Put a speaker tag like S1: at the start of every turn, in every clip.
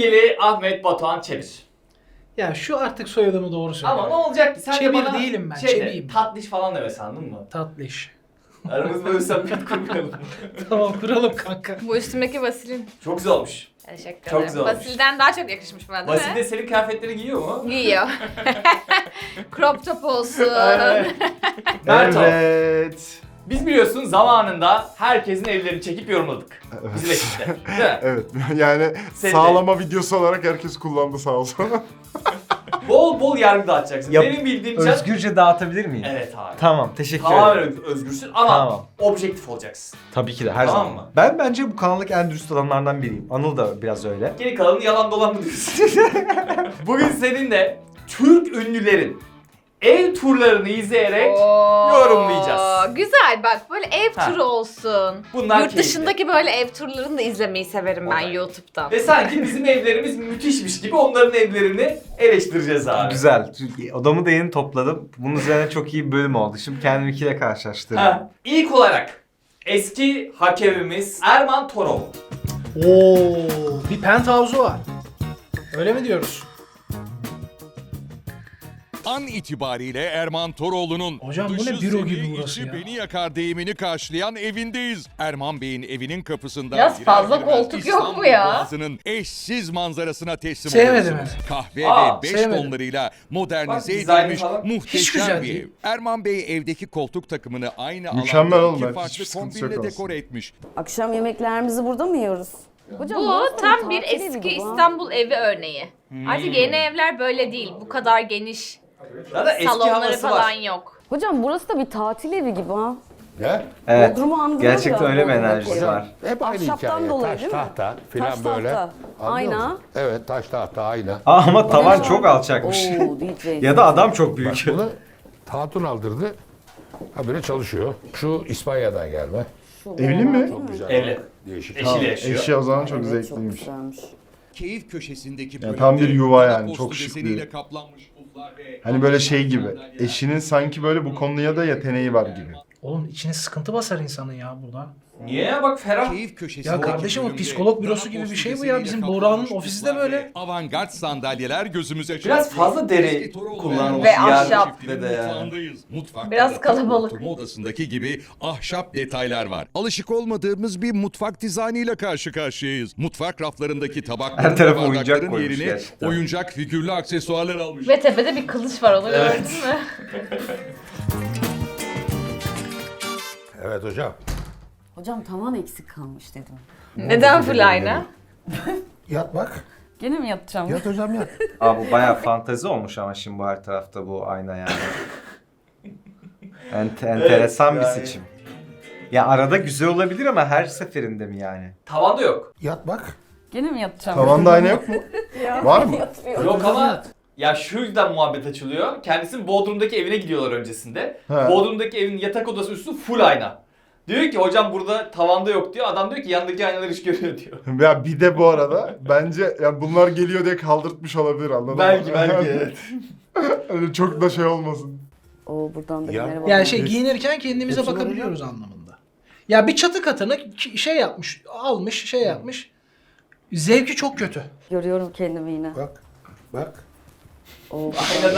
S1: Sevgili Ahmet Batuhan Çevir.
S2: Ya şu artık soyadımı doğru söyle.
S1: Ama ne olacak ki? Sen de
S2: Çevir
S1: bana
S2: değilim ben,
S1: şeyde,
S2: Çeviyim.
S1: tatlış falan deme sandın mı?
S2: Tatlış.
S1: Aramızda böyle samimiyet kurmayalım.
S2: Tamam kuralım kanka.
S3: Bu üstümdeki Vasil'in.
S1: Çok güzel olmuş.
S3: Teşekkür
S1: Çok
S3: ederim.
S1: güzel olmuş.
S3: Vasil'den daha çok yakışmış bana değil
S1: Vasil
S3: mi?
S1: de senin kıyafetleri giyiyor mu?
S3: Giyiyor. Crop top olsun.
S1: Aynen. Merto.
S4: Evet.
S1: Biz biliyorsun zamanında herkesin evlerini çekip yorumladık. Bizim ekipte. Değil mi?
S4: Evet. Yani
S1: Sen de.
S4: sağlama videosu olarak herkes kullandı sağ olsun.
S1: Bol bol yargı dağıtacaksın.
S5: Yap-
S1: Benim bildiğim can...
S5: Özgürce dağıtabilir miyim?
S1: Evet abi.
S5: Tamam, teşekkür
S1: Tamamen
S5: ederim.
S1: özgürsün ama
S5: Tamam.
S1: objektif olacaksın.
S5: Tabii ki de her
S1: Tamam
S5: zaman.
S1: mı?
S5: Ben bence bu kanaldaki en dürüst adamlardan biriyim. Anıl da biraz öyle.
S1: Geri kalanı yalan dolan mı diyorsun? Bugün seninle Türk ünlülerin ev turlarını izleyerek yorumlayacağız.
S3: Güzel bak böyle ev
S1: Ha.
S3: turu olsun.
S1: Bunlar
S3: Yurt
S1: keyifli.
S3: dışındaki böyle ev turlarını da izlemeyi severim ben
S1: Olay.
S3: YouTube'dan.
S1: Ve sanki bizim evlerimiz müthişmiş gibi onların evlerini eleştireceğiz abi.
S5: Güzel. Odamı da yeni topladım. Bunun üzerine çok iyi bir bölüm oldu. Şimdi kendimkiyle karşılaştırdım.
S1: Ha. İlk olarak eski hakemimiz Erman Torov.
S2: Oo, bir penthouse'u var. Öyle mi diyoruz?
S6: An itibariyle Erman Toroğlu'nun
S2: Hocam bu ne
S6: dışı
S2: büro
S6: seni,
S2: gibi burası
S6: içi
S2: ya?
S6: beni yakar deyimini karşılayan evindeyiz. Erman Bey'in evinin kapısında
S3: Biraz
S6: girer
S3: fazla
S6: girmez
S3: koltuk yok mu
S6: İstanbul
S3: ya?
S6: Boğazı'nın eşsiz manzarasına teslim
S2: Sevmedim
S6: oluyorsunuz. Kahve
S1: Aa,
S6: ve beş
S2: sevmedim.
S6: tonlarıyla modernize
S1: Bak, dizaynı
S6: edilmiş
S1: falan.
S2: Hiç
S6: muhteşem
S2: güzel
S6: bir
S2: değil.
S6: ev. Erman Bey evdeki koltuk takımını aynı
S4: Mükemmel
S6: alanda
S4: oğlum,
S6: iki
S4: hiçbir
S6: farklı
S4: sıkıntısı yok
S6: kombinle
S4: aslında.
S6: dekore etmiş.
S7: Akşam yemeklerimizi burada mı yiyoruz? Hocam,
S3: Bu
S7: burası da
S3: tam bir
S7: tatil evi
S3: eski
S7: gibi ha.
S3: İstanbul evi örneği. Artık yeni evler böyle değil. Bu kadar geniş
S1: Zaten eski
S3: salonları
S1: havası
S3: falan
S1: var.
S3: yok.
S7: Hocam burası da bir tatil evi gibi ha.
S8: Ne?
S5: Evet.
S7: Bodrum'u andırıyor
S5: Gerçekten
S7: ya,
S5: öyle bir
S7: Bodrum'daki
S5: enerjisi
S7: ev.
S5: var.
S8: Hep aynı
S7: Ahşaptan
S8: hikaye.
S7: dolayı
S8: Taş
S7: değil mi?
S8: tahta filan
S7: Taş
S8: böyle.
S7: tahta.
S8: Anlıyor
S7: Ayna.
S8: musun? Evet, taş tahta ayna.
S5: Ama tavan
S7: Bana-
S5: çok alçakmış.
S7: Oo, DJ.
S5: Ya da adam çok
S8: Bak
S5: büyük.
S8: bunu Hatun aldırdı. Ha böyle çalışıyor. Şu İspanya'dan gelme.
S7: Şu
S4: Evli
S7: bomba
S4: mi?
S7: değil
S8: Çok güzel.
S1: Evli.
S8: Değişik.
S1: Eşiyle yaşıyor.
S4: Eşya o zaman çok
S7: Evet,
S4: zevkliymiş.
S7: Çok güzelmiş.
S6: Keyif köşesindeki
S4: Yani tam bir yuva
S6: bölümde
S4: yani,
S6: postu
S4: çok şık
S6: deseniyle
S4: bir-
S6: kaplanmış puflar ve
S4: Hani böyle şey gibi.
S6: sandalyeler.
S4: Eşinin sanki böyle bu konuya da yeteneği var gibi.
S2: Oğlum içine sıkıntı basar insanın ya burada.
S1: Niye ya bak ferah.
S6: Keyif köşesindeki
S2: Ya kardeşim, o
S6: bölümde
S2: psikolog bürosu
S6: dana
S2: gibi bir
S6: postu
S2: şey bu ya.
S6: deseniyle
S2: Bizim
S6: kaplanmış
S2: Buğra'nın ofisi de
S6: puflar
S2: böyle.
S6: ve avantgard sandalyeler gözümüze
S1: Biraz
S6: çarpıyor.
S1: fazla deri
S6: Eski Toroğlu
S1: kullanılmış
S3: Ve
S1: yer
S3: ahşap.
S1: çiftliğinde de yani.
S6: Mutfağındayız. Mutfakta
S3: Biraz
S6: da
S3: kalabalık.
S6: oturma odasındaki gibi ahşap detaylar var. Alışık olmadığımız bir mutfak dizaynıyla karşı karşıyayız. Mutfak raflarındaki tabakların
S5: Her
S6: ve
S5: tarafa oyuncak
S6: bardakların
S5: koymuş
S6: yerine
S5: gerçekten.
S6: oyuncak figürlü aksesuarlar almış.
S3: Ve tepede bir kılıç var, onu
S1: Evet.
S3: gördün mü?
S8: Evet hocam.
S7: Hocam tavan eksik kalmış dedim.
S3: Neden full ayna?
S8: Yat bak.
S7: Gene mi yatacağım?
S8: Yat hocam yat.
S5: Abi bu bayağı fantezi olmuş ama şimdi bu her tarafta bu ayna yani. Enteresan bir
S1: yani.
S5: seçim. Ya arada güzel olabilir ama her seferinde mi yani?
S1: Tavanda yok.
S8: Yat bak.
S7: Gene mi yatacağım?
S4: Tavanda ayna yok mu? Var mı?
S1: Yok ama ya şu yüzden muhabbet açılıyor. Kendisinin Bodrum'daki evine gidiyorlar öncesinde.
S4: He.
S1: Bodrum'daki evin yatak odası üstü full ayna. Diyor ki hocam burada tavanda yok diyor. Adam diyor ki yandaki aynalar iş görüyor diyor.
S4: Ya bir de bu arada bence ya bunlar geliyor diye kaldırtmış olabilir, anladın
S1: Belki
S4: mı?
S1: belki evet.
S4: Öyle çok da şey olmasın.
S7: Oo, buradan da
S8: Ya.
S7: merhaba.
S2: Yani şey giyinirken kendimize
S8: Hepsi var
S2: bakabiliyoruz anlamında. Ya bir çatı katını şey yapmış, almış, şey yapmış. Zevki çok kötü.
S7: Görüyorum kendimi yine.
S8: Bak. Bak.
S7: Oo,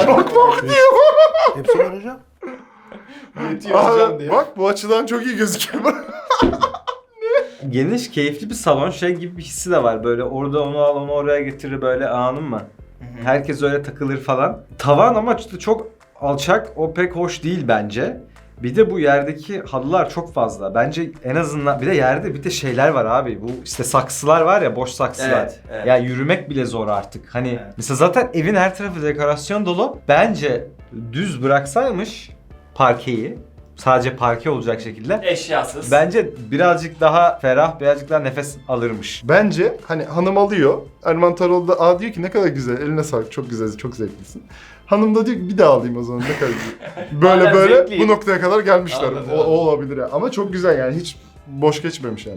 S8: Hepsi var hocam.
S1: Yetiyor hocam
S4: Aa,
S1: diyor.
S4: bak bu açıdan çok iyi gözüküyor.
S5: Geniş, keyifli bir salon şey gibi bir hissi de var. Böyle orada onu al, onu oraya getirir böyle, anladın mı? Herkes öyle takılır falan. Tavan ama işte çok alçak, o pek hoş değil bence. Bir de bu yerdeki halılar çok fazla. Bence en azından bir de yerde bir de şeyler var abi. Bu işte saksılar var ya, boş saksılar.
S1: Evet, evet.
S5: Ya yürümek bile zor artık. Hani
S1: Evet.
S5: mesela zaten evin her tarafı dekorasyon dolu. Bence düz bıraksaymış parkeyi, sadece parke olacak şekilde,
S1: Eşyasız.
S5: bence birazcık daha ferah, birazcık daha nefes alırmış.
S4: Bence hani hanım alıyor. Erman Toroğlu da diyor ki ne kadar güzel, eline sağlık, çok güzel, çok zevklisin. Hanım da diyor ki bir daha alayım o zaman, ne kadar güzel. Böyle
S1: Hala
S4: böyle
S1: zevkliyim.
S4: bu noktaya kadar gelmişler.
S1: Anladım,
S4: O olabilir ya. Ama çok güzel yani, hiç boş geçmemiş yani bence.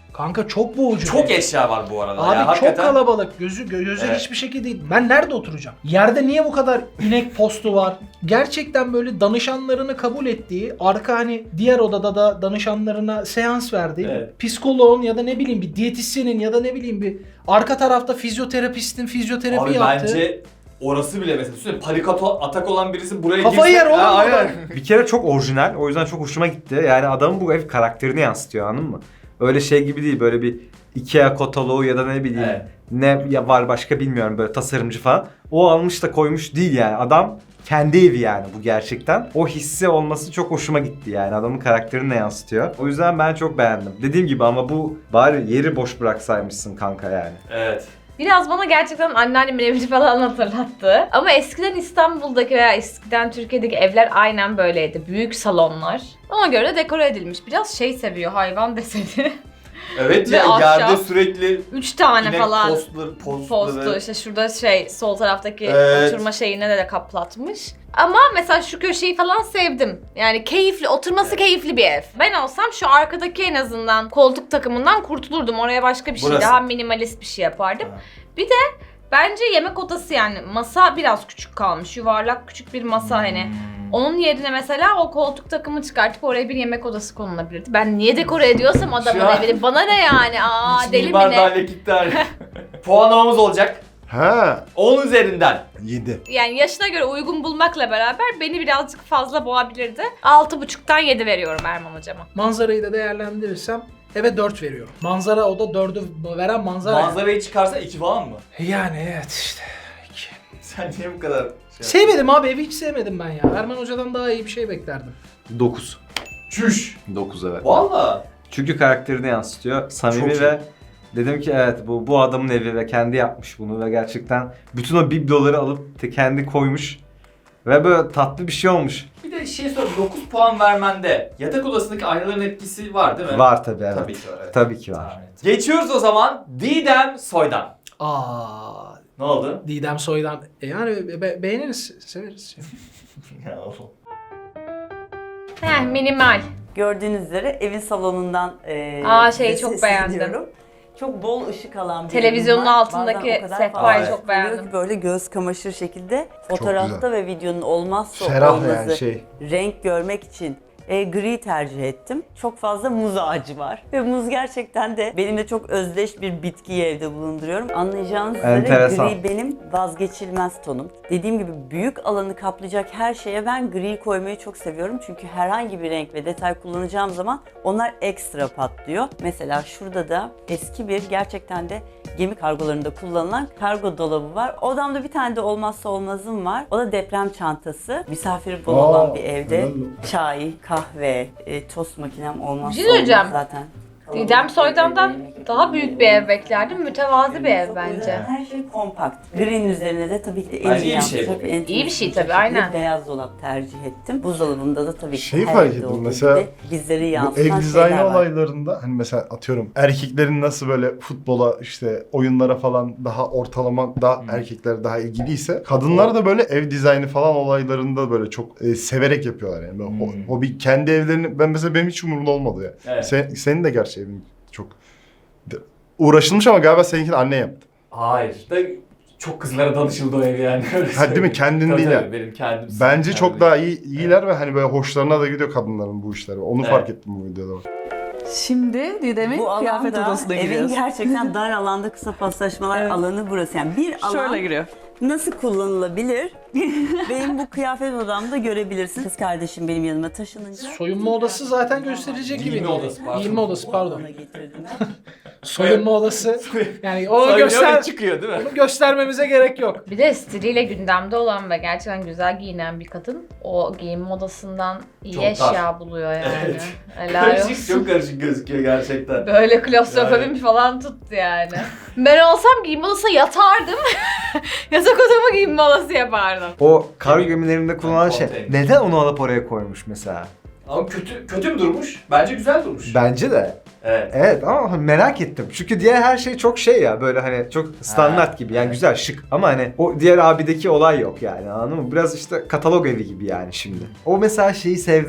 S2: Kanka çok boğucu.
S1: Çok eşya var bu arada.
S2: Abi
S1: ya,
S2: çok
S1: hakikaten.
S2: kalabalık. Gözü
S1: Evet.
S2: hiçbir şekilde değil. Ben nerede oturacağım? Yerde niye bu kadar inek postu var? Gerçekten böyle danışanlarını kabul ettiği, arka hani diğer odada da danışanlarına seans verdiği,
S1: Evet.
S2: psikoloğun ya da ne bileyim bir diyetisyenin ya da ne bileyim bir arka tarafta fizyoterapistin fizyoterapi
S1: Abi
S2: yaptığı.
S1: bence orası bile mesela düşünsene panik atak olan birisi buraya
S2: Kafayı yer oğlum
S1: Ha,
S2: orada.
S1: aynen.
S5: Bir kere çok orijinal. O yüzden çok hoşuma gitti. Yani adamın bu ev karakterini yansıtıyor, anladın mı? Öyle şey gibi değil. Böyle bir Ikea kataloğu ya da ne bileyim
S1: Evet.
S5: ne ya var başka bilmiyorum, böyle tasarımcı falan. O almış da koymuş değil yani. Adam kendi evi yani bu gerçekten. O hissi olması çok hoşuma gitti yani. Adamın karakterini de yansıtıyor. O yüzden ben çok beğendim. Dediğim gibi ama bu bari yeri boş bıraksaymışsın kanka yani.
S1: Evet.
S3: Biraz bana gerçekten anneannemin evini falan hatırlattı. Ama eskiden İstanbul'daki veya eskiden Türkiye'deki evler aynen böyleydi. Büyük salonlar. Ona göre dekore edilmiş. Biraz şey seviyor, hayvan deseni.
S1: Evet
S3: Ve
S1: ya
S3: ahşap.
S1: yerde sürekli
S3: 3 tane
S1: inek
S3: falan
S1: postları.
S3: postu. İşte şurada sol taraftaki
S1: Evet.
S3: oturma şeyine de kaplatmış. Ama mesela şu köşeyi falan sevdim. Yani keyifli, oturması keyifli bir ev. Ben olsam şu arkadaki en azından koltuk takımından kurtulurdum. Oraya başka bir şey,
S1: Burası.
S3: daha minimalist bir şey yapardım.
S1: Ha.
S3: Bir de bence yemek odası, yani masa biraz küçük kalmış. Yuvarlak küçük bir masa hani. Onun yerine mesela o koltuk takımı çıkartıp oraya bir yemek odası konulabilirdi. Ben niye dekore ediyorsam adamın
S1: Şu an-
S3: evini, bana ne yani? Aa,
S1: İç
S3: deli mi
S1: mimar
S3: ne?
S1: daire gitti hani. Puanlamamız olacak.
S4: Ha
S1: 10 üzerinden.
S4: 7.
S3: Yani yaşına göre uygun bulmakla beraber beni birazcık fazla boğabilirdi. 6,5'tan 7 veriyorum Erman hocama.
S2: Manzarayı da değerlendirirsem eve 4 veriyorum. Manzara o da 4'ü veren manzara.
S1: Manzarayı çıkarsa 2 falan mı?
S2: Yani evet işte.
S1: Sen niye bu kadar
S2: Sevmedim abi, evi hiç sevmedim ben ya. Erman Hoca'dan daha iyi bir şey beklerdim.
S5: 9.
S1: Çüş.
S5: 9 evet.
S1: Valla.
S5: Çünkü karakterini yansıtıyor. Samimi
S1: Çok iyi.
S5: ve dedim ki evet bu adamın evi ve kendi yapmış bunu ve gerçekten bütün o bibloları alıp kendi koymuş ve böyle tatlı bir şey olmuş.
S1: Bir de şey sor, 9 puan vermende yatak odasındaki aynaların etkisi var değil mi?
S5: Var tabii evet.
S1: Tabii ki var. Evet.
S5: Tabii ki var.
S1: Evet. Geçiyoruz o zaman Didem Soydan.
S2: Aa,
S1: Ne oldu?
S2: Didem Soydan. Yani beğeniriz, severiz.
S3: Minimal.
S7: Gördüğünüz üzere evin salonundan
S3: Şeyi
S7: size
S3: çok beğendim.
S7: sesleniyorum. Çok bol ışık alan bir
S3: Televizyonun
S7: evim var.
S3: altındaki
S7: Bazen o kadar
S3: sehpayı
S7: fazla
S3: çok beğendim.
S7: oluyor ki böyle göz kamaşır şekilde fotoğrafta ve videonun olmazsa
S4: Ferah
S7: olmazı
S4: yani şey.
S7: renk görmek için gri tercih ettim. Çok fazla muz ağacı var. Ve muz gerçekten de benimle çok özdeş bir bitkiyi evde bulunduruyorum. Anlayacağınız üzere
S5: Enteresan.
S7: gri benim vazgeçilmez tonum. Dediğim gibi büyük alanı kaplayacak her şeye ben gri koymayı çok seviyorum. Çünkü herhangi bir renk ve detay kullanacağım zaman onlar ekstra patlıyor. Mesela şurada da eski bir gerçekten de gemi kargolarında kullanılan kargo dolabı var. Odamda bir tane de olmazsa olmazım var. O da deprem çantası. Misafir bol olan bir evde çay, kahve, tost makinem olmazsa
S3: Bir şey söyleyeceğim.
S7: olmaz zaten.
S3: Didem Soydan'dan daha büyük bir ev beklerdim. Mütevazi bir ev bence.
S7: Her şey kompakt. Green üzerine de tabii ki de
S1: Bence
S7: en
S1: iyi bir şey bu.
S7: yansıtacak, en
S3: İyi bir şey
S7: temiz
S3: tabii,
S7: şekilde
S3: aynen.
S7: Beyaz dolap tercih ettim. Buzdolabında da tabii ki
S4: Şeyi
S7: her
S4: fark
S7: evde
S4: ettim,
S7: olduğu
S4: mesela
S7: gibi bizleri
S4: Bu
S7: yansıtan
S4: ev dizaynı
S7: şeyler var.
S4: olaylarında hani mesela atıyorum erkeklerin nasıl böyle futbola işte oyunlara falan daha ortalama daha erkekler daha ilgiliyse kadınlar da böyle ev dizaynı falan olaylarında böyle çok severek yapıyorlar yani. Böyle hobi kendi evlerini ben mesela benim hiç umurumda olmadı ya.
S1: Evet.
S4: Senin de gerçi evin çok uğraşılmış ama galiba seninkini anne yaptı.
S1: Hayır. Da çok kızlara danışıldı o ev yani.
S4: Ha, değil mi? Kendin
S1: Tabii,
S4: değil
S1: tabii,
S4: yani.
S1: benim kendim.
S4: Bence çok daha iyiler ve hani böyle hoşlarına da gidiyor kadınların bu işleri. Onu
S1: Evet.
S4: fark ettim bu videoda.
S9: Şimdi Didem'in
S7: Bu
S9: kıyafet
S7: alanda
S9: odasına
S7: evin
S9: giriyoruz.
S7: gerçekten dar alanda kısa paslaşmalar
S9: Evet.
S7: alanı burası. Yani bir alan
S9: Şöyle giriyor.
S7: nasıl kullanılabilir? Benim bu kıyafet odamda görebilirsin. Kız kardeşim benim yanıma taşınınca.
S2: Soyunma odası zaten gösterilecek gibi.
S1: Giyinme odası, pardon.
S2: Giyinme odası pardon.
S7: Ona getirdim.
S2: Soyunma odası. Yani onu
S1: Soyunuyor ve çıkıyor değil mi?
S2: onu göstermemize gerek yok.
S3: Bir de stiliyle gündemde olan ve gerçekten güzel giyinen bir kadın o giyinme odasından iyi
S1: Çok dar.
S3: eşya buluyor yani.
S1: Evet.
S3: Helal
S1: Karışık,
S3: olsun.
S1: çok karışık gözüküyor gerçekten.
S3: Böyle klostrofobim
S1: Yani.
S3: falan tuttu yani. Ben olsam giyinme odasına yatardım. Yatak odamı giyinme odası yapardım.
S5: O kargo gemilerinde kullanılan şey
S1: Konteyner.
S5: neden onu alıp oraya koymuş mesela?
S1: Ama kötü mü durmuş? Bence güzel durmuş.
S5: Bence de.
S1: Evet.
S5: Evet ama merak ettim. Çünkü diğer her şey çok şey ya böyle hani çok standart
S1: Ha,
S5: gibi yani
S1: evet.
S5: güzel şık ama hani o diğer abideki olay yok yani anladın mı? Biraz işte katalog evi gibi yani şimdi. O mesela şeyi sevdim.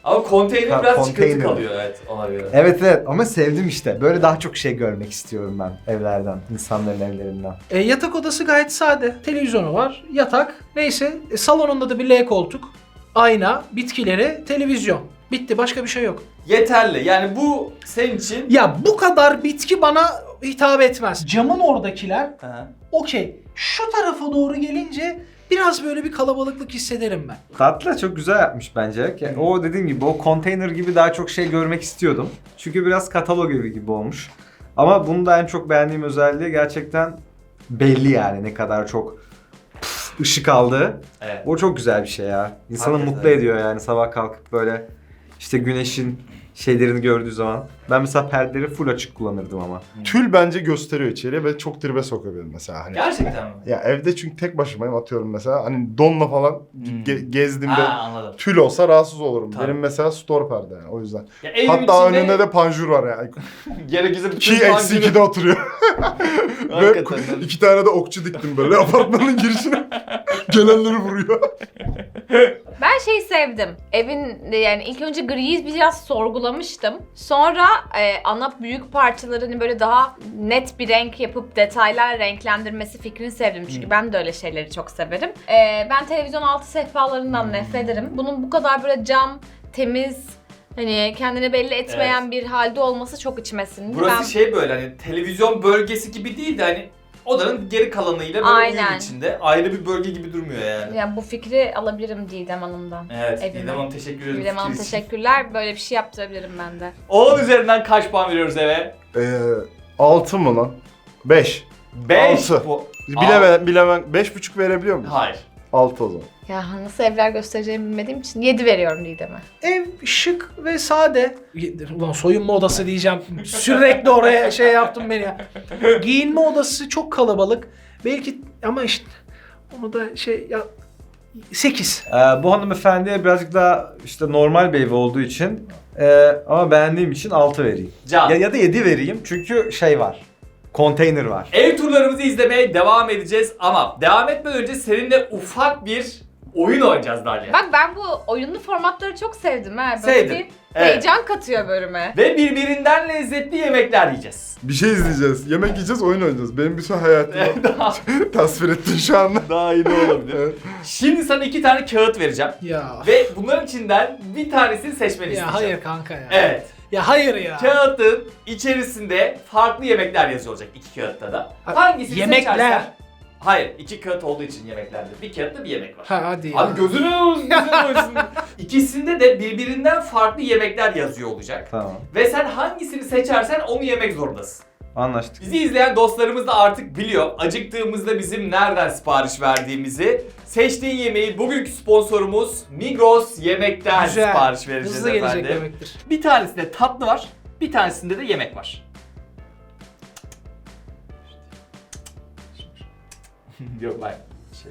S1: Ama konteyner
S5: Ha,
S1: biraz çıkıntı
S5: konteyner.
S1: kalıyor evet ona göre.
S5: Evet evet ama sevdim işte. Böyle daha çok şey görmek istiyorum ben evlerden, insanların evlerinden.
S2: Yatak odası gayet sade. Televizyonu var, yatak. Neyse salonunda da bir L koltuk, ayna, bitkileri, televizyon. Bitti, başka bir şey yok.
S1: Yeterli. Yani bu senin için...
S2: Ya bu kadar bitki bana hitap etmez. Camın oradakiler
S1: Aha.
S2: okey. Şu tarafa doğru gelince biraz böyle bir kalabalıklık hissederim ben.
S5: Tatlı çok güzel yapmış bence. Yani o dediğim gibi o konteyner gibi daha çok şey görmek istiyordum. Çünkü biraz katalog evi gibi olmuş. Ama bunu da en çok beğendiğim özelliği gerçekten belli yani ne kadar çok ışık aldığı.
S1: Evet.
S5: O çok güzel bir şey ya. İnsanı
S1: Hakikaten.
S5: mutlu ediyor yani sabah kalkıp böyle işte güneşin şeylerini gördüğü zaman. Ben mesela perdeleri full açık kullanırdım ama.
S4: Tül bence gösteriyor içeriye ve çok tribe sokuyor beni mesela. Hani.
S1: Gerçekten mi?
S4: Ya evde çünkü tek başımayım atıyorum mesela. Hani donla falan gezdiğimde
S1: Ha anladım.
S4: tül olsa rahatsız olurum.
S1: Tabii.
S4: Benim mesela store perde yani o yüzden.
S1: Ya evimin
S4: Hatta
S1: içinde
S4: önünde de panjur var yani.
S1: gerekirse bütün
S4: 2 eksi 2'de oturuyor. Ve
S1: Hakikaten.
S4: 2 tane de okçu diktim böyle apartmanın girişine. Gelenleri vuruyor.
S3: Ben şeyi sevdim. Evin yani ilk önce griyi biraz sorgulamıştım. Sonra ana büyük parçalarını böyle daha net bir renk yapıp detaylar renklendirmesi fikrini sevdim. Çünkü ben de öyle şeyleri çok severim. Ben televizyon altı sehpalarından nefret ederim. Bunun bu kadar böyle cam, temiz, hani kendini belli etmeyen bir halde olması çok içime sindi.
S1: Burası şey böyle hani televizyon bölgesi gibi değil de hani odanın geri kalanıyla böyle
S3: Aynen.
S1: uyum içinde. Ayrı bir bölge gibi durmuyor yani.
S3: Yani bu fikri alabilirim Didem Hanım'dan.
S1: Evet,
S3: Evime.
S1: Didem Hanım teşekkür ederim.
S3: Didem Hanım
S1: fikir için.
S3: teşekkürler. Böyle bir şey yaptırabilirim ben de.
S1: 10 üzerinden kaç puan veriyoruz eve?
S4: 6 mı lan? 5.
S1: 5
S4: Altı.
S1: bu.
S4: Bilemem. 5,5 verebiliyor muyum?
S1: Hayır.
S4: 6 o zaman.
S3: Ya nasıl evler göstereceğimi bilmediğim için 7 veriyorum Didem'e.
S2: Ev şık ve sade. Ulan soyunma odası diyeceğim. Sürekli oraya şey yaptım beni ya. Giyinme odası çok kalabalık. Belki ama işte onu da şey ya 8.
S5: Bu hanımefendiye birazcık daha işte normal bir evi olduğu için ama beğendiğim için 6 vereyim.
S1: Can.
S5: Ya da 7 vereyim çünkü şey var. Konteyner var.
S1: Ev turlarımızı izlemeye devam edeceğiz ama devam etmeden önce seninle ufak bir oyun oynayacağız Dalia.
S3: Bak ben bu oyunlu formatları çok sevdim ha. Böyle
S1: Sevdim.
S3: bir
S1: Evet.
S3: heyecan katıyor bölüme.
S1: Ve birbirinden lezzetli yemekler yiyeceğiz.
S4: Bir şey izleyeceğiz. Yemek yiyeceğiz, oyun oynayacağız. Benim bütün hayatımı
S1: Daha,
S4: tasvir ettin şu anda.
S1: daha iyi de olabilir.
S4: Evet.
S1: Şimdi sana 2 tane kağıt vereceğim.
S2: Ya.
S1: Ve bunların içinden bir tanesini seçmeni
S2: Ya
S1: isteyeceğim.
S2: hayır kanka ya.
S1: Evet.
S2: Ya hayır ya.
S1: Kağıtın içerisinde farklı yemekler yazıyor olacak iki kağıtta da. Hangisini
S2: Yemekler.
S1: seçersen... Hayır, iki kağıt olduğu için yemeklerde. Bir kağıtta bir yemek var.
S2: Ha hadi ya.
S1: Abi gözünü olsun. İkisinde de birbirinden farklı yemekler yazıyor olacak.
S5: Tamam.
S1: Ve sen hangisini seçersen onu yemek zorundasın.
S5: Anlaştık.
S1: Bizi izleyen dostlarımız da artık biliyor. Acıktığımızda bizim nereden sipariş verdiğimizi. Seçtiğin yemeği bugünkü sponsorumuz Migros Yemek'ten
S2: Güzel.
S1: sipariş vereceğiz
S2: Hızlı gelecek
S1: efendim.
S2: demektir.
S1: Bir tanesinde tatlı var, bir tanesinde de yemek var. Yok bak. Şey.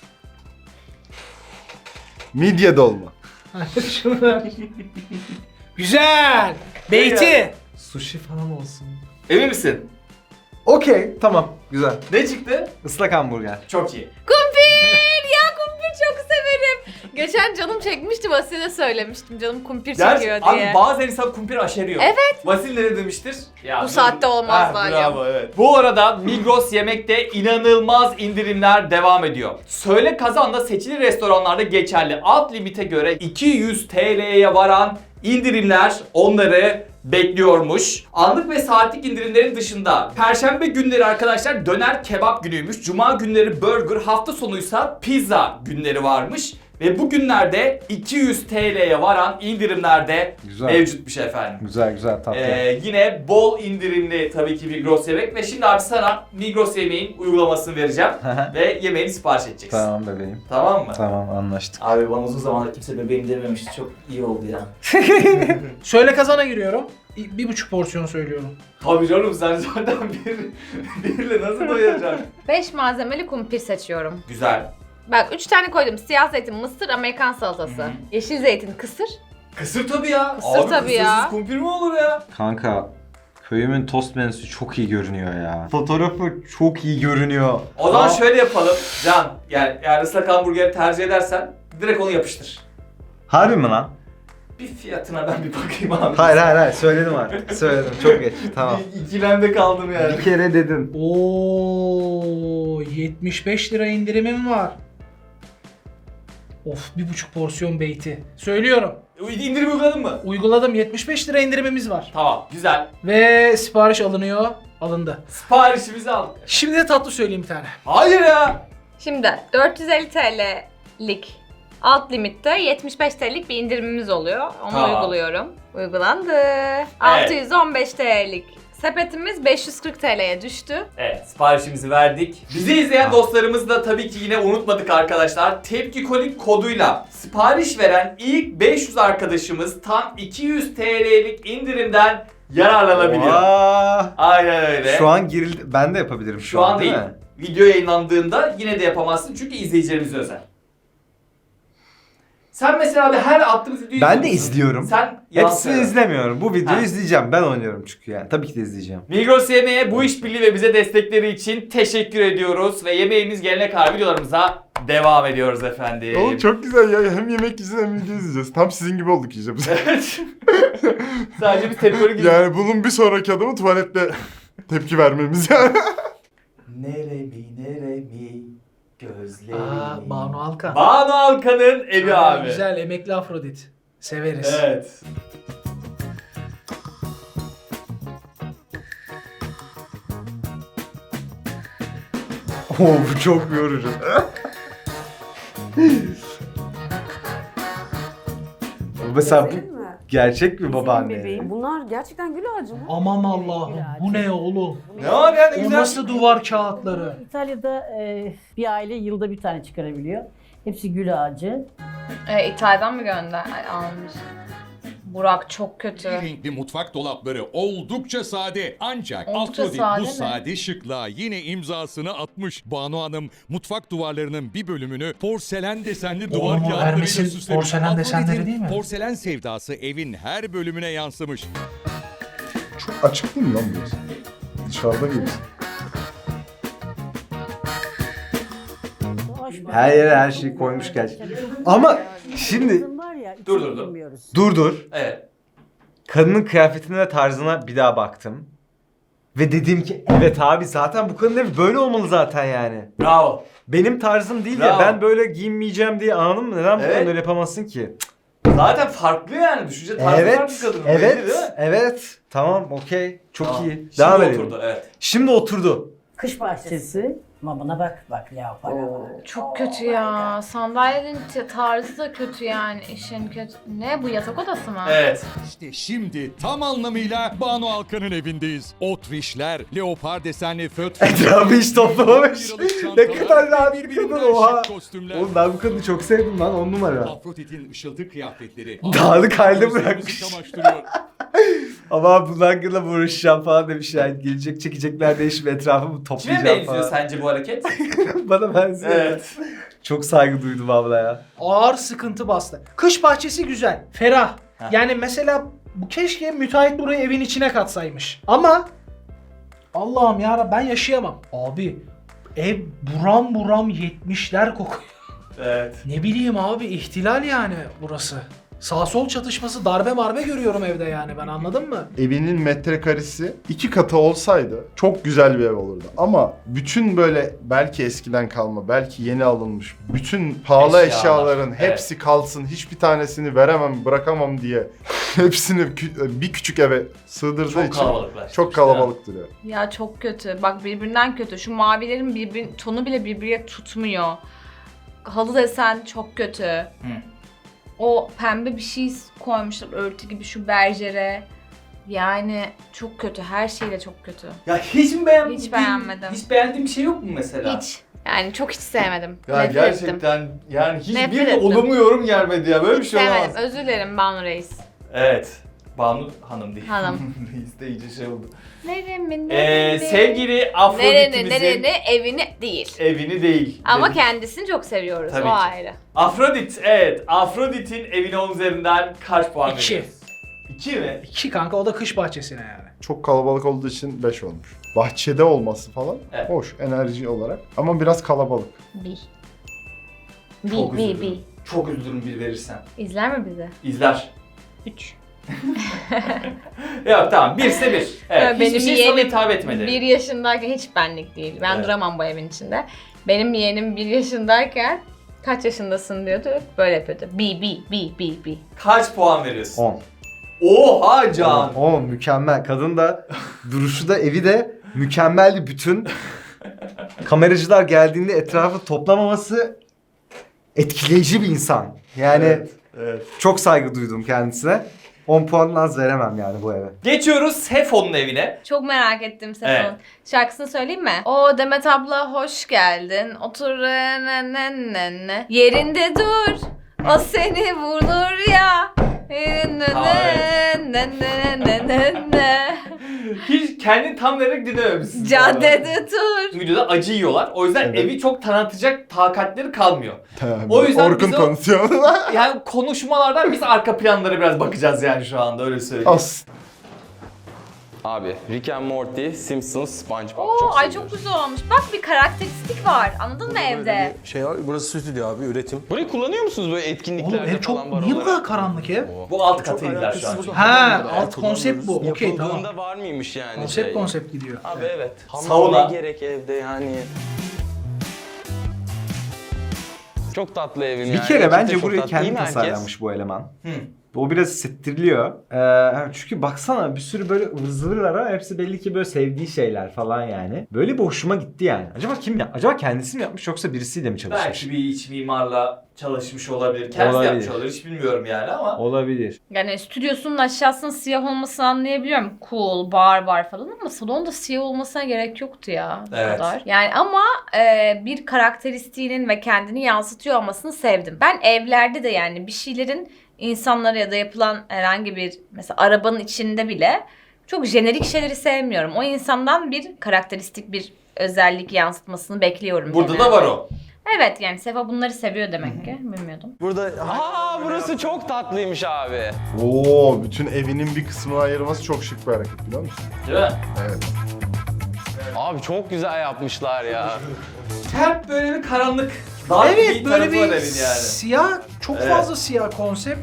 S4: Midye dolma.
S2: Şunu- Güzel. Beyti.
S5: Sushi falan olsun.
S1: Emin misin?
S5: Okey tamam güzel.
S1: Ne çıktı?
S5: Islak hamburger.
S1: Çok iyi.
S3: Kumpir! Ya kumpir çok severim. Geçen canım çekmişti, Vasile söylemiştim. Canım kumpir çekiyor
S1: Abi
S3: diye.
S1: bazen insan kumpir aşeriyor.
S3: Evet.
S1: Vasil ne demiştir? Ya,
S3: Bu saatte olmaz
S1: Ha,
S3: Dalia.
S1: bravo evet. Bu arada Migros Yemek'te inanılmaz indirimler devam ediyor. Söyle Kazan'da seçili restoranlarda geçerli alt limite göre 200 TL'ye varan indirimler onları bekliyormuş. Anlık ve saatlik indirimlerin dışında Perşembe günleri arkadaşlar döner kebap günüymüş. Cuma günleri burger, hafta sonuysa pizza günleri varmış. Ve bu günlerde 200 TL'ye varan indirimler de
S5: Güzel.
S1: mevcutmuş efendim.
S5: Güzel güzel tatlı.
S1: Yine bol indirimli tabii ki Migros Yemek ve şimdi abi sana Migros Yemeğin uygulamasını vereceğim ve yemeğini sipariş edeceksin.
S5: Tamam bebeğim.
S1: Tamam mı?
S5: Tamam anlaştık.
S1: Abi bana uzun zamandır kimse bebeğim dememişti. Çok iyi oldu ya.
S2: Söyle kazana giriyorum. 1,5 porsiyon söylüyorum.
S1: Tabii canım sen zaten birle nasıl doyacaksın?
S3: 5 malzemeli kumpir seçiyorum.
S1: Güzel.
S3: Bak 3 tane koydum. Siyah zeytin, mısır, Amerikan salatası.
S1: Hı.
S3: Yeşil zeytin, kısır.
S1: Kısır tabii ya.
S3: Kısır
S1: abi,
S3: tabii ya.
S1: kısırsız kumpir mi olur ya?
S5: Kanka köyümün tost menüsü çok iyi görünüyor ya. Fotoğrafı çok iyi görünüyor.
S1: O zaman
S5: Aa,
S1: şöyle yapalım. Can yani eğer ıslak hamburgeri tercih edersen direkt onu yapıştır.
S5: Harbi mi lan?
S1: Bir fiyatına ben bir bakayım abi.
S5: Hayır söyledim artık. Söyledim çok geç. Tamam.
S1: Bir ikilemde kaldım yani.
S5: Bir kere dedin.
S2: Oo, 75 lira indirimim var. Of, 1,5 porsiyon beyti. Söylüyorum.
S1: İndirim uyguladın mı?
S2: Uyguladım, 75 lira indirimimiz var.
S1: Tamam, güzel.
S2: Ve sipariş alınıyor. Alındı.
S1: Siparişimizi aldık.
S2: Şimdi de tatlı söyleyeyim bir tane.
S1: Hayır ya.
S3: Şimdi 450 TL'lik alt limitte 75 TL'lik bir indirimimiz oluyor. Onu
S1: Tamam.
S3: uyguluyorum. Uygulandı. 615 TL'lik sepetimiz 540 TL'ye düştü.
S1: Evet, siparişimizi verdik. Bizi izleyen dostlarımız da tabii ki yine unutmadık arkadaşlar. Tepkikolik koduyla sipariş veren ilk 500 arkadaşımız tam 200 TL'lik indirimden yararlanabiliyor.
S5: Aa,
S1: Aynen öyle.
S5: şu an girildi. Ben de yapabilirim
S1: Şu an değil.
S5: mi?
S1: Video yayınlandığında yine de yapamazsın çünkü izleyicilerimize özel. Sen mesela abi her attığımız videoyu
S5: Ben de
S1: izliyorsun.
S5: izliyorum.
S1: Sen yalan
S5: Hepsini
S1: söyle.
S5: izlemiyorum. Bu videoyu
S1: Ha.
S5: izleyeceğim. Ben oynuyorum çünkü yani. Tabii ki de izleyeceğim.
S1: Migros Yemeğe bu işbirliği ve bize destekleri için teşekkür ediyoruz ve yemeğimiz gelene kadar videolarımıza devam ediyoruz efendim.
S4: Oğlum çok güzel ya. Hem yemek yiyeceğiz hem video izleyeceğiz. Tam sizin gibi olduk iyice biz.
S1: Evet. Sadece bir tepkikolik gibi.
S4: Yani bunun bir sonraki adımı tuvalette tepki vermemiz yani.
S1: Neremi gözlerimi.
S2: Banu Alkan.
S1: Banu Alkan'ın evi abi.
S2: Güzel, emekli Afrodit. Severiz.
S1: Evet.
S5: Oo bu çok yorucu. Bu mesela bu gerçek bir babaanne.
S9: Bunlar gerçekten gül ağacı mı?
S2: Aman Allah'ım, bu ne oğlum?
S1: Ne var yani
S2: O
S1: güzel.
S2: nasıl duvar kağıtları?
S10: İtalya'da bir aile yılda bir tane çıkarabiliyor. Hepsi gül ağacı.
S3: İtalya'dan mı almış? Burak çok kötü.
S6: Renkli mutfak dolapları oldukça sade ancak
S3: Oldukça
S6: Afrodit
S3: sade
S6: bu
S3: mi?
S6: sade şıklığa yine imzasını atmış. Banu Hanım mutfak duvarlarının bir bölümünü porselen desenli duvar
S2: Oğlum o
S6: kağıtlarıyla
S2: Hermes'in
S6: süslemiş.
S2: porselen desenleri
S6: Afrodit'in
S2: değil mi?
S6: Porselen sevdası evin her bölümüne yansımış.
S4: Çok açık değil mi lan burası? Dışarıda gibisin.
S5: Her yere her şeyi koymuş gerçekten. Ama şimdi
S1: Dur.
S5: dur.
S1: Evet.
S5: Kadının kıyafetine ve tarzına bir daha baktım. Ve dedim ki evet abi zaten bu kadın evi böyle olmalı zaten yani.
S1: Bravo.
S5: Benim tarzım değil ya,
S1: Bravo.
S5: ben böyle giyinmeyeceğim diye anladın mı? Neden bu
S1: Evet.
S5: kadın öyle yapamazsın ki?
S1: Zaten farklı yani. Düşünce tarzı farklı kadının. belli değil mi?
S5: Evet. Tamam, okey. Çok
S1: Tamam.
S5: iyi.
S1: Şimdi
S5: Devam edelim.
S1: oturdu evet.
S5: Şimdi oturdu.
S10: Kış bahçesi. Ama buna bak leopar.
S3: Çok kötü ya. Sandalyenin tarzı da kötü yani. İşin kötü. Ne bu, yatak odası mı?
S1: Evet.
S6: İşte şimdi tam anlamıyla Banu Alkan'ın evindeyiz. Otrişler, leopar desenli föt.
S5: Etrafı hiç toplamamış. Ne kadar rahat bir
S6: birbirinden
S5: kadın oha.
S6: şık kostümler.
S5: Oğlum ben bu kadını çok sevdim lan, 10 numara.
S6: Afrodit'in ışıltı kıyafetleri.
S5: Dağınık halde
S6: Gözlerimizi
S5: bırakmış.
S6: kamaştırıyor.
S5: Ama bunun hakkında uğraşacağım falan demiş yani. Gelecek çekecekler değişip etrafımı
S1: Kime
S5: toplayacağım
S1: benziyor
S5: falan.
S1: sence bu hareket?
S5: Bana benziyor.
S1: Evet.
S5: Çok saygı duydum abla ya.
S2: Ağır sıkıntı bastı. Kış bahçesi güzel, ferah. Yani mesela bu keşke müteahhit burayı evin içine katsaymış. Ama Allah'ım ya ben yaşayamam. Abi ev buram buram 70'ler kokuyor.
S1: Evet.
S2: Ne bileyim abi, ihtilal yani burası. Sağ sol çatışması, darbe marbe görüyorum evde yani, ben anladın mı?
S4: Evinin metrekaresi 2 katı olsaydı çok güzel bir ev olurdu. Ama bütün böyle belki eskiden kalma, belki yeni alınmış bütün pahalı
S1: Eşyalar.
S4: eşyaların
S1: Evet.
S4: hepsi kalsın, hiçbir tanesini veremem, bırakamam diye hepsini bir küçük eve sığdırdığı
S1: Çok
S4: için
S1: kalabalıklar.
S4: çok kalabalık duruyor.
S3: Ya çok kötü. Bak birbirinden kötü. Şu mavilerin tonu bile birbirine tutmuyor. Halı desen çok kötü. O pembe bir şey koymuşlar örtü gibi şu berjere. Yani çok kötü. Her şeyle çok kötü.
S1: Ya hiç mi beğenmedin?
S3: Hiç beğenmedim.
S1: Hiç beğendiğin bir şey yok mu mesela?
S3: Hiç. Yani çok hiç sevmedim.
S1: Ya
S3: Nefret
S1: gerçekten
S3: ettim.
S1: yani
S3: Nefret
S1: hiçbir
S3: ettim.
S1: olumlu yorum gelmedi ya. Böyle bir
S3: Hiç
S1: şey
S3: sevmedim.
S1: olamaz.
S3: Özür dilerim Banu Reis.
S1: Evet. Banu Hanım değil.
S3: Hanım.
S1: Reis de iyice şey oldu.
S3: Neremi?
S1: Sevgili Afrodit'imizin
S3: evini değil.
S1: evini değil.
S3: Ama
S1: dedik.
S3: kendisini çok seviyoruz.
S1: Tabii
S3: o
S1: ki.
S3: ayrı.
S1: Afrodit, evet. Afrodit'in evine 10 üzerinden kaç puan
S2: 2.
S1: veriyoruz? 2 mi?
S2: 2 kanka, o da kış bahçesine yani.
S4: Çok kalabalık olduğu için 5 olmuş. Bahçede olması falan
S1: Evet.
S4: hoş enerji olarak ama biraz kalabalık.
S1: Çok üzülürüm. Çok üzülürüm bir verirsen.
S3: İzler mi bizi?
S1: İzler.
S3: 3.
S1: Yok tamam 1 ise 1. Evet,
S3: Benim
S1: hiçbir şey sana
S3: yeğenim
S1: hitap etmedi.
S3: 1 yaşındayken hiç benlik değil. Ben
S1: Evet.
S3: duramam bu evin içinde. Benim yeğenim 1 yaşındayken kaç yaşındasın diyordu. Böyle yapıyordu. B.
S1: Kaç puan veriyorsun?
S5: 10.
S1: Oha Can!
S5: 10 mükemmel. Kadın da duruşu da evi de mükemmeldi. Bütün kameracılar geldiğinde etrafı toplamaması etkileyici bir insan. Yani
S1: Evet.
S5: çok saygı duydum kendisine. 10 puan az veremem yani bu eve.
S1: Geçiyoruz Sefo'nun evine.
S3: Çok merak ettim Sefon.
S1: Evet.
S3: Şarkısını söyleyeyim mi? O Demet abla hoş geldin. Otur ne. Yerinde dur. O seni vurur ya. Ne.
S1: Hiç kendini tam vererek dinlememişsin.
S3: Caddede dur.
S1: Videoda acı yiyorlar. O yüzden
S4: Evet.
S1: evi çok tanıtacak takatleri kalmıyor.
S4: Tabii.
S1: O yüzden
S4: Orkun
S1: biz o-
S4: tanıtıyor.
S1: Yani konuşmalardan biz arka planlara biraz bakacağız yani şu anda öyle söyleyeyim.
S4: As.
S11: Abi Rick and Morty, Simpsons, SpongeBob.
S3: Oo, ay
S11: seviyorum.
S3: çok güzel olmuş. Bak bir karakteristik var. Anladın mı evde?
S12: Şey var, burası stüdyo abi, üretim.
S11: Burayı kullanıyor musunuz böyle etkinliklerde
S2: Oğlum ev çok
S11: falan var
S2: niye bu
S11: olarak?
S2: kadar karanlık ev?
S1: Bu alt katıydılar şu an.
S2: Ha, alt konsept bu. Okey
S11: Yapıldığında
S2: tamam.
S11: var mıymış yani
S2: Konsept konsept gidiyor.
S11: Abi evet.
S1: Sauna.
S11: Ne gerek evde yani. Çok tatlı evim yani.
S5: Bir kere
S11: Gerçekten
S5: bence
S11: çok
S5: burayı
S11: tatlı. İyi
S5: kendi
S11: mi herkes?
S5: tasarlamış bu eleman.
S1: Hı.
S5: O biraz hissettiriliyor. Çünkü baksana bir sürü böyle ıvır zıvırlar ama hepsi belli ki böyle sevdiği şeyler falan yani. Böyle bir hoşuma gitti yani. Acaba kim ya? Acaba kendisi mi yapmış yoksa birisiyle mi çalışmış?
S1: Belki bir iç mimarla çalışmış olabilir. Kendisi
S5: Olabilir.
S1: yapmış olabilir. Hiç bilmiyorum yani ama.
S5: Olabilir.
S3: Yani stüdyosunun aşağısının siyah olmasını anlayabiliyorum. Cool, bar falan ama salonda siyah olmasına gerek yoktu ya. Bu
S1: Evet.
S3: kadar. Yani ama bir karakteristiğinin ve kendini yansıtıyor olmasını sevdim. Ben evlerde de yani bir şeylerin insanlara ya da yapılan herhangi bir mesela arabanın içinde bile çok jenerik şeyleri sevmiyorum. O insandan bir karakteristik bir özellik yansıtmasını bekliyorum.
S1: Burada
S3: genelde.
S1: da var o.
S3: Evet yani Sefa bunları seviyor demek ki. Bilmiyordum.
S12: Burada
S11: Aa burası çok tatlıymış abi.
S4: Oo, bütün evinin bir kısmını ayırması çok şık bir hareket biliyor musun?
S1: Değil mi?
S4: Evet.
S11: Abi çok güzel yapmışlar ya.
S1: Hep böyle bir karanlık. Dark
S2: Evet
S1: bir
S2: böyle
S1: tarafı var
S2: bir
S1: evin yani.
S2: siyah, çok
S1: Evet.
S2: fazla siyah konsept.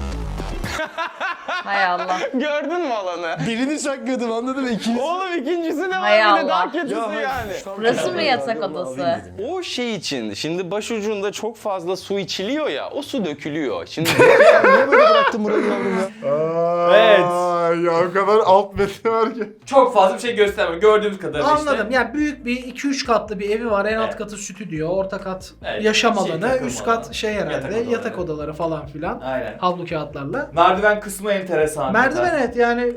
S3: Hay Allah.
S11: Gördün mü alanı?
S12: birini saklıyordum anladın mı? İkiniz...
S11: Oğlum ikincisi ne
S3: Hay
S11: var bir de
S3: Allah.
S11: daha kötüsü yani.
S3: Burası mı yatak odası?
S11: O şey için şimdi başucunda çok fazla su içiliyor ya o su dökülüyor. Şimdi
S12: Niye böyle bıraktın burayı yavrum ya?
S1: Evet.
S4: Ya o kadar alt metni var ki.
S1: Çok fazla bir şey göstermiyor. Gördüğümüz kadarıyla
S2: Anladım.
S1: işte.
S2: Yani büyük bir 2-3 katlı bir evi var. En alt
S1: Evet.
S2: katı stüdyo, orta kat
S1: Evet,
S2: yaşam
S1: şey,
S2: alanı,
S1: takım
S2: üst
S1: alanı.
S2: kat şey herhalde
S1: Yatak
S2: yatak
S1: odaları.
S2: odaları falan filan.
S1: Aynen.
S2: Havlu kağıtlarla.
S1: Merdiven kısmı enteresan.
S2: Merdiven evet yani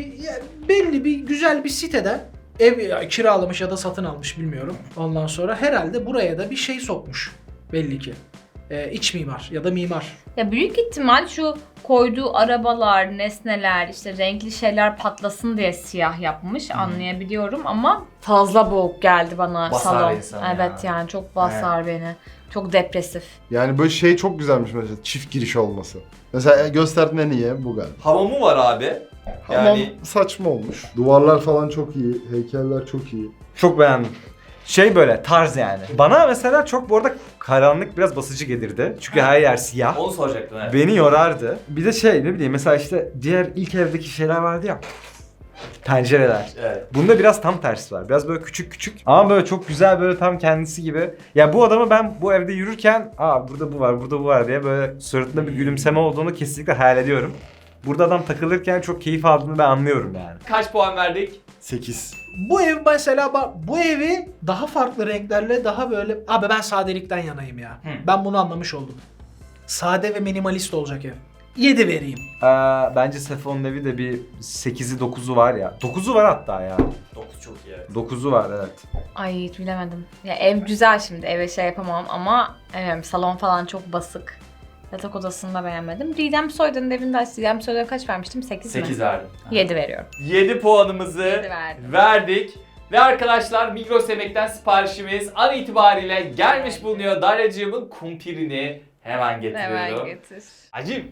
S2: belli bir güzel bir siteden ev kiralamış ya da satın almış bilmiyorum. Ondan sonra herhalde buraya da bir şey sokmuş belli ki. İç mimar ya da mimar.
S3: Ya büyük ihtimal şu koyduğu arabalar, nesneler, işte renkli şeyler patlasın diye siyah yapmış anlayabiliyorum ama fazla boğuk geldi bana
S1: Basar
S3: salon.
S1: insanı
S3: Evet
S1: ya.
S3: yani çok basar beni. Çok depresif.
S4: Yani böyle şey çok güzelmiş mesela çift giriş olması. Mesela gösterdiğinde niye bu galiba.
S1: Hamamı var abi.
S4: Hamam
S1: Yani
S4: saçma olmuş. Duvarlar falan çok iyi, heykeller çok iyi.
S5: Çok beğendim. Şey böyle tarz yani. Bana mesela çok bu arada karanlık biraz basıcı gelirdi. Çünkü her yer siyah.
S1: onu soracaktım evet.
S5: Beni yorardı. Bir de şey ne bileyim mesela işte diğer ilk evdeki şeyler vardı ya. Pencereler.
S1: Evet.
S5: Bunda biraz tam tersi var. Biraz böyle küçük küçük ama böyle çok güzel böyle tam kendisi gibi. Ya bu adamı ben bu evde yürürken burada bu var, burada bu var diye böyle suratında bir gülümseme olduğunu kesinlikle hayal ediyorum. Burada adam takılırken çok keyif aldığını ben anlıyorum yani.
S1: Kaç puan verdik?
S4: 8.
S2: Bu ev mesela bu evi daha farklı renklerle daha böyle... Abi ben sadelikten yanayım ya. Ben bunu anlamış oldum. Sade ve minimalist olacak ev. 7 vereyim.
S5: Bence Sefo'nun evi de bir 8'i 9'u var ya. 9'u var hatta ya.
S1: 9 çok iyi evet.
S5: 9'u var evet.
S3: Ay hiç bilemedim. Ya ev güzel şimdi eve şey yapamam ama salon falan çok basık. Yatak odasını da beğenmedim. Didem Soydan'ın evinde Didem Soydan'a kaç vermiştim? 8 mi?
S1: 8 verdim.
S3: 7 veriyorum.
S1: 7 puanımızı
S3: 7 verdim.
S1: verdik. Ve arkadaşlar Migros Yemek'ten siparişimiz an itibariyle gelmiş bulunuyor. Daryacığımın kumpirini hemen getiriyorum.
S3: Hemen getir.
S1: Acım.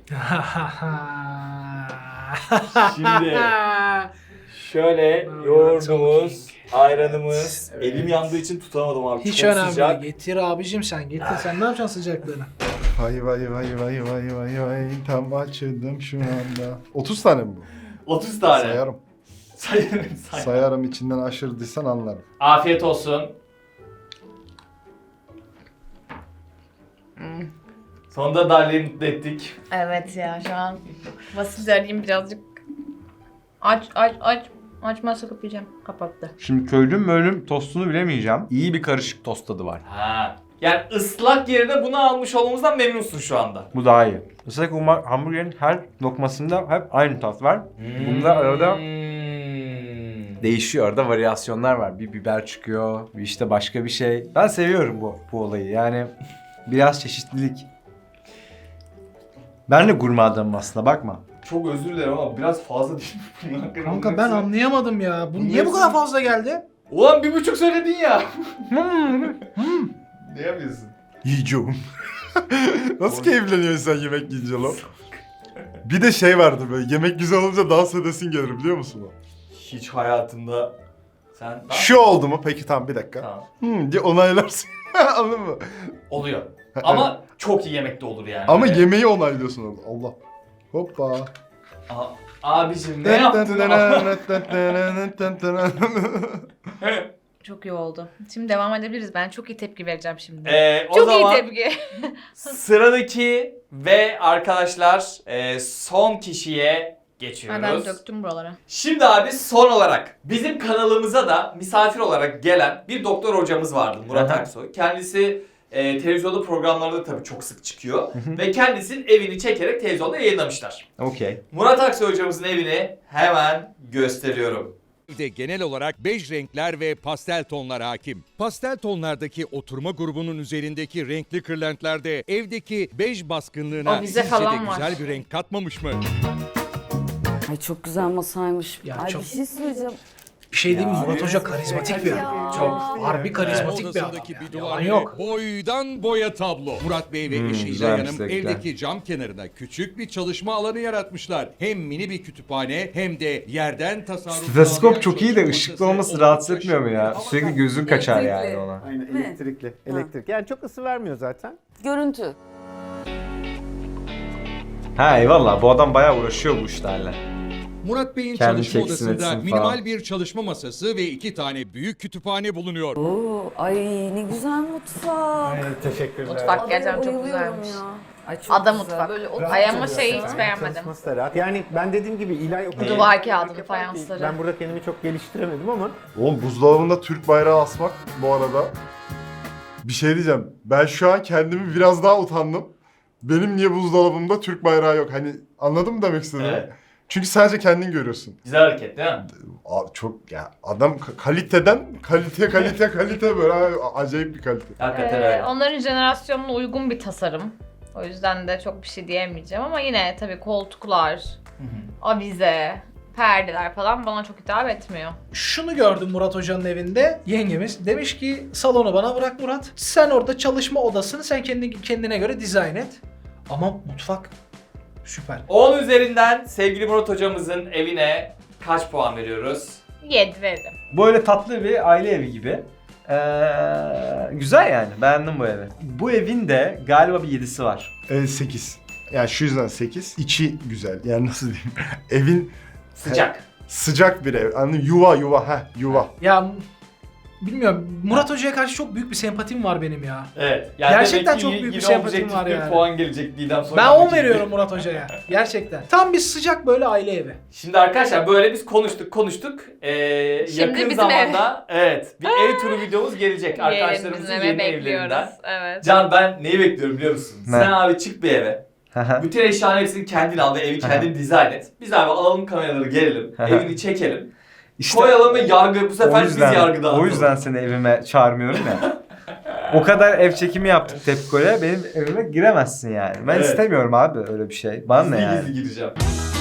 S1: Şimdi şöyle yoğurdumuz, ayranımız. Elim yandığı için tutamadım abi.
S2: Hiç
S1: Çok
S2: önemli
S1: sıcak.
S2: değil. Getir abicim sen getir. Sen ne yapacaksın sıcaklığını?
S4: Vay vay vay vay vay vay vay tam açıldım şu anda. 30 tane mi bu?
S1: 30 tane.
S4: Sayarım.
S1: Sayarım.
S4: Sayarım içinden aşırdıysan anlarım.
S1: Afiyet olsun. Sonunda Darlı'yı mutlu ettik.
S3: Evet ya şu an Vasil'i arayayım birazcık. Aç. Açmazsa kapayacağım. Kapattı.
S5: Şimdi köylüm tostunu bilemeyeceğim. İyi bir karışık tost tadı var.
S1: Ha. Yani ıslak yerine bunu almış olmamızdan memnunsun şu anda.
S5: Bu daha iyi. Islak hamburgerin her lokmasında hep aynı tat var. Bunda arada değişiyor. Arada varyasyonlar var. Bir biber çıkıyor, bir işte başka bir şey. Ben seviyorum bu olayı. Yani biraz çeşitlilik. Ben de gurme adamım aslında, bakma.
S1: Çok özür dilerim ama biraz fazla değil mi bunlar?
S2: Kanka ben anlayamadım ya. Bu niye bu kadar fazla geldi?
S1: Ulan 1,5 söyledin ya. Ne yapıyorsun?
S4: Yiyeceğim. Nasıl keyifleniyorsun sen yemek yiyince lan? Bir de şey vardı böyle yemek güzel olunca dans edesin gelir biliyor musun o?
S1: Hiç hayatımda sen...
S4: Şu oldu mu? Peki tamam bir dakika.
S1: Tamam.
S4: Diye onaylarsın. Anladın mı?
S1: Oluyor. Ama çok iyi yemek de olur yani.
S4: Ama
S1: Öyle.
S4: yemeği onaylıyorsun orada. Allah. Hoppa.
S1: Abicim ne yaptın?
S3: Çok iyi oldu. Şimdi devam edebiliriz. Ben çok iyi tepki vereceğim şimdi.
S1: O
S3: çok
S1: zaman
S3: iyi tepki.
S1: sıradaki ve arkadaşlar son kişiye geçiyoruz.
S3: Ben döktüm buralara.
S1: Şimdi abi son olarak bizim kanalımıza da misafir olarak gelen bir doktor hocamız vardı Murat Aksoy. Kendisi televizyonda programlarda tabii çok sık çıkıyor. Ve kendisinin evini çekerek televizyonda yayınlamışlar.
S5: Okey.
S1: Murat Aksoy hocamızın evini hemen gösteriyorum.
S6: Evde genel olarak bej renkler ve pastel tonlar hakim. Pastel tonlardaki oturma grubunun üzerindeki renkli kırlentlerde evdeki bej baskınlığına
S3: Avize
S6: sizce
S3: falan
S6: de
S3: var.
S6: güzel bir renk katmamış mı?
S9: Ay çok güzel masaymış.
S2: Ya
S9: Ay
S2: çok-
S9: bir şey söyleyeceğim.
S2: Bir şey değil mi? Murat Hoca karizmatik bir adam. Çok harbi karizmatik bir adam.
S6: Odasındaki bir
S2: Yani.
S6: duvar
S2: Yalan
S6: bile
S2: yok.
S6: boydan boya tablo. Murat Bey ve eşi
S5: güzelmiş
S6: İlay Hanım
S5: zevkler.
S6: evdeki cam kenarına küçük bir çalışma alanı yaratmışlar. Hem mini bir kütüphane hem de yerden tasarruf
S5: Stetoskop
S6: sağlayan
S5: çok iyi de
S6: çalışma
S5: ışıklı
S6: masası,
S5: olması
S6: oldukça
S5: rahatsız etmiyor mu ya?
S6: şık.
S5: Sürekli gözün kaçar yani
S9: Elektrikli.
S5: ona.
S12: Aynen
S9: Mi?
S12: elektrikli. Elektrik. Yani çok ısı vermiyor zaten.
S9: Görüntü.
S5: Ha eyvallah, bu adam bayağı uğraşıyor bu işlerle.
S6: Murat Bey'in
S5: Kendi
S6: çalışma
S5: çeksin,
S6: odasında
S5: etsin
S6: minimal
S5: falan.
S6: bir çalışma masası ve 2 tane büyük kütüphane bulunuyor.
S9: Oo, ay ne güzel mutfak.
S12: Teşekkürler.
S3: Mutfak gerçekten çok
S9: bayılıyorum
S3: güzelmiş.
S9: ya. Ay çok
S3: Ada
S9: güzel.
S3: mutfak.
S9: Böyle
S3: Ay ama şeyi hiç beğenmedim.
S12: Çalışması da rahat. Yani ben dediğim gibi İlay o kadar...
S3: Duvar kağıdı,
S12: yapar ki
S3: fayansları.
S12: Ben burada kendimi çok geliştiremedim ama
S4: Oğlum buzdolabında Türk bayrağı asmak bu arada. Bir şey diyeceğim. Ben şu an kendimi biraz daha utandım. Benim niye buzdolabımda Türk bayrağı yok? Hani anladın mı demek istediğimi?
S1: Evet.
S4: Çünkü sadece kendin görüyorsun.
S1: Güzel hareket değil mi?
S4: Abi çok ya adam kaliteden kalite böyle acayip bir kalite.
S1: Hakikaten öyle.
S3: Onların jenerasyonuna uygun bir tasarım. O yüzden de çok bir şey diyemeyeceğim ama yine tabii koltuklar, avize, perdeler falan bana çok hitap etmiyor.
S2: Şunu gördüm Murat Hoca'nın evinde. Yengemiz demiş ki salonu bana bırak Murat. Sen orada çalışma odasını sen kendine göre dizayn et. Ama mutfak süper.
S1: 10 üzerinden sevgili Murat hocamızın evine kaç puan veriyoruz?
S3: 7 verdim.
S5: Böyle tatlı bir aile evi gibi. Güzel yani, beğendim bu evi. Bu evin de galiba bir 7'si var.
S4: 8. Yani şu yüzden 8. İçi güzel. Yani nasıl diyeyim? Evin
S1: Sıcak.
S4: sıcak bir ev. Anladın mı? Yuva.
S2: Ya bilmiyorum, Murat Hoca'ya karşı çok büyük bir sempatim var benim ya.
S1: Evet. Yani
S2: Gerçekten
S1: demek ki
S2: çok büyük bir
S1: yine
S2: sempatim
S1: objektif
S2: var
S1: bir
S2: yani.
S1: puan gelecek Didem sonra.
S2: Ben 10 veriyorum Murat Hoca'ya. Gerçekten. Tam bir sıcak böyle aile evi.
S1: Şimdi arkadaşlar böyle biz konuştuk.
S3: Şimdi
S1: Yakın
S3: bizim
S1: zamanda evet bir ev turu videomuz gelecek
S3: Gelin
S1: arkadaşlarımızın
S3: bizim eve
S1: yeni
S3: bekliyoruz.
S1: evlerinden.
S3: Evet.
S1: Can ben neyi bekliyorum biliyor musun?
S5: Ne?
S1: Sen abi çık bir eve. Bütün eşyaların hepsini kendin al ve evi kendin dizayn et. Biz abi alalım kameraları gelelim. Evini çekelim. Koyalım ve yargı bu sefer biz yargıda.
S5: O yüzden seni evime çağırmıyorum ya. O kadar ev çekimi yaptık Tepko'ya, benim evime giremezsin yani. Ben
S1: Evet.
S5: istemiyorum abi öyle bir şey. Bana ne yani?
S1: Gizli gireceğim.